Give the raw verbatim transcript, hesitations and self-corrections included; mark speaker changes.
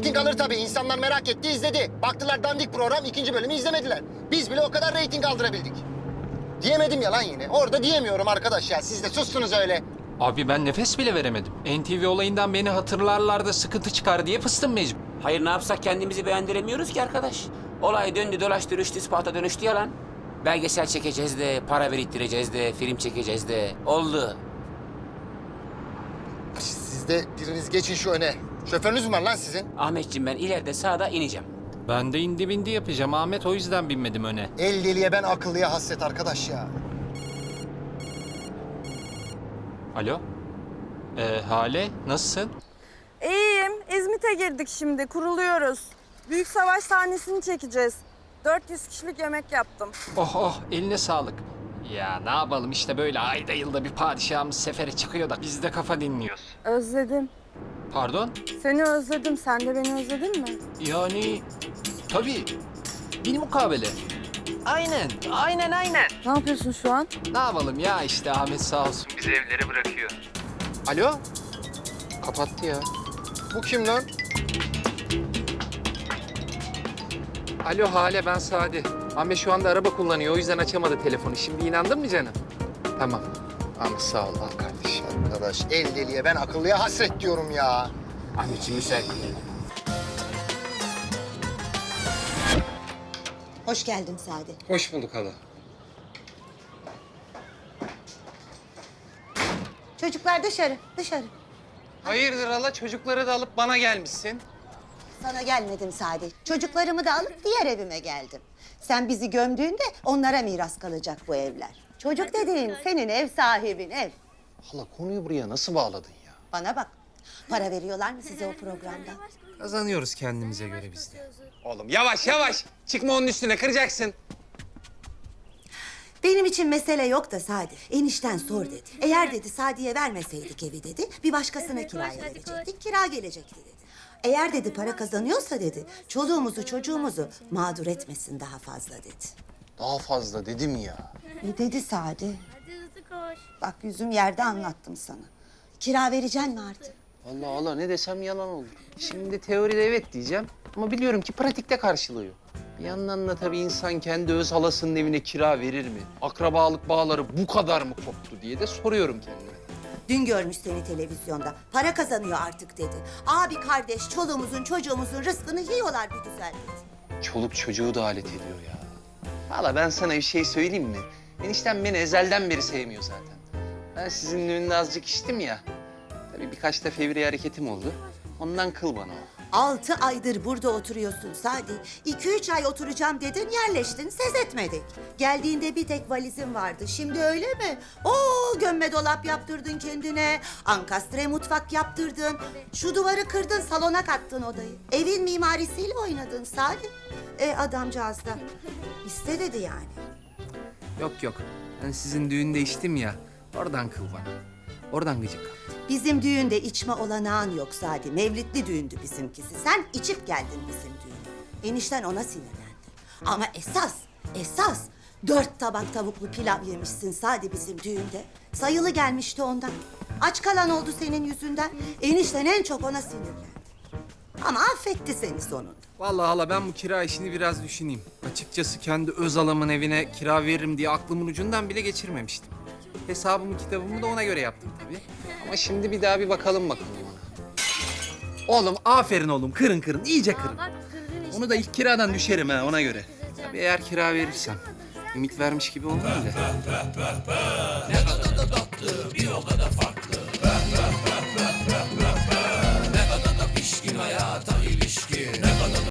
Speaker 1: Reyting alır tabii. İnsanlar merak etti, izledi. Baktılar dandik program, ikinci bölümü izlemediler. Biz bile o kadar reyting aldırabildik. Diyemedim ya lan yine. Orada diyemiyorum arkadaş ya. Siz de sustunuz öyle.
Speaker 2: Abi ben nefes bile veremedim. N T V olayından beni hatırlarlar da sıkıntı çıkar diye fıstım mecbur.
Speaker 3: Hayır ne yapsak kendimizi beğendiremiyoruz ki arkadaş. Olay döndü dolaştı rüştü ispata dönüştü yalan. Belgesel çekeceğiz de, para biriktireceğiz de, film çekeceğiz de. Oldu.
Speaker 1: Siz de biriniz geçin şu öne. Şoförünüz mü var lan sizin?
Speaker 3: Ahmetciğim ben ileride sağda ineceğim.
Speaker 2: Ben de indi bindi yapacağım Ahmet, o yüzden binmedim öne.
Speaker 1: El deliye ben akıllıya hasret arkadaş ya.
Speaker 2: Alo? Ee, Hale, nasılsın?
Speaker 4: İyiyim. İzmit'e girdik şimdi. Kuruluyoruz. Büyük savaş sahnesini çekeceğiz. dört yüz kişilik yemek yaptım.
Speaker 2: Oh oh, eline sağlık. Ya ne yapalım işte böyle ayda yılda bir padişahımız sefere çıkıyor da biz de kafa dinliyoruz.
Speaker 4: Özledim.
Speaker 2: Pardon?
Speaker 4: Seni özledim. Sen de beni özledin mi?
Speaker 2: Yani tabii bilmukabele. Aynen, aynen aynen.
Speaker 4: Ne yapıyorsun şu an?
Speaker 2: Ne yapalım ya işte Ahmet sağ olsun bizi evlere bırakıyor. Alo? Kapattı ya.
Speaker 1: Bu kim lan?
Speaker 2: Alo Hale, ben Sadi. Ahmet şu anda araba kullanıyor, o yüzden açamadı telefonu. Şimdi inandın mı canım? Tamam. Ahmet sağ ol, al kardeşim.
Speaker 1: Arkadaş el deliye ben akıllıya hasret diyorum ya.
Speaker 3: Ahmetciğim müsait.
Speaker 5: Hoş geldin Sadi.
Speaker 2: Hoş bulduk hala.
Speaker 5: Çocuklar dışarı, dışarı.
Speaker 2: Hayırdır hala, çocukları da alıp bana gelmişsin.
Speaker 5: Sana gelmedim Sadi. Çocuklarımı da alıp diğer evime geldim. Sen bizi gömdüğünde onlara miras kalacak bu evler. Çocuk dediğin senin ev sahibin, ev.
Speaker 1: Hala konuyu buraya nasıl bağladın ya?
Speaker 5: Bana bak, para veriyorlar mı size o programda?
Speaker 2: Kazanıyoruz kendimize göre biz de. Oğlum yavaş yavaş, çıkma onun üstüne, kıracaksın.
Speaker 5: Benim için mesele yok da Sadi. Enişten sor dedi. Eğer dedi Sadi'ye vermeseydik evi dedi, bir başkasına kiraya verecektik, kira gelecekti dedi. Eğer dedi para kazanıyorsa dedi, çoluğumuzu çocuğumuzu mağdur etmesin daha fazla dedi.
Speaker 1: Daha fazla dedim ya.
Speaker 5: Ne dedi Sadi? Bak yüzüm yerde anlattım sana. Kira vereceksin mi artık?
Speaker 6: Vallahi hala ne desem yalan olur. Şimdi teoride evet diyeceğim ama biliyorum ki pratikte karşılığı yok. Bir yandan da tabii insan kendi öz halasının evine kira verir mi? Akrabalık bağları bu kadar mı koptu diye de soruyorum kendime.
Speaker 5: Dün görmüş seni televizyonda. Para kazanıyor artık dedi. Abi kardeş çoluğumuzun çocuğumuzun rızkını yiyorlar bir güzel dedi.
Speaker 6: Çoluk çocuğu da alet ediyor ya. Hala ben sana bir şey söyleyeyim mi? Eniştem beni ezelden beri sevmiyor zaten. Ben sizin düğünde azıcık içtim ya. Tabii birkaç da fevri hareketim oldu. Ondan kıl bana o.
Speaker 5: Altı aydır burada oturuyorsun Sadi. İki üç ay oturacağım dedin, yerleştin, ses etmedik. Geldiğinde bir tek valizin vardı. Şimdi öyle mi? Oo, gömme dolap yaptırdın kendine. Ankastre mutfak yaptırdın. Şu duvarı kırdın, salona kattın odayı. Evin mimarisiyle oynadın Sadi. E adamcağız da iste dedi yani.
Speaker 6: Yok yok. Ben sizin düğünde içtim ya. Oradan kıl bana. Oradan gıcık kaptı.
Speaker 5: Bizim düğünde içme olanağın yok Sadi. Mevlidli düğündü bizimkisi. Sen içip geldin bizim düğüne. Enişten ona sinirlendi. Ama esas, esas dört tabak tavuklu pilav yemişsin Sadi bizim düğünde. Sayılı gelmişti ondan. Aç kalan oldu senin yüzünden. Enişten en çok ona sinirlendi. Ama affetti seni sonunda.
Speaker 6: Vallahi hala ben bu kira işini biraz düşüneyim. Açıkçası kendi öz halamın evine kira veririm diye aklımın ucundan bile geçirmemiştim. Hesabımı kitabımı da ona göre yaptım tabii. Ama şimdi bir daha bir bakalım bakalım ona. Oğlum aferin oğlum, kırın kırın, iyice kırın. Onu da ilk kiradan düşerim ha, ona göre. Tabii eğer kira verirsem. Ümit vermiş gibi olmayayım da.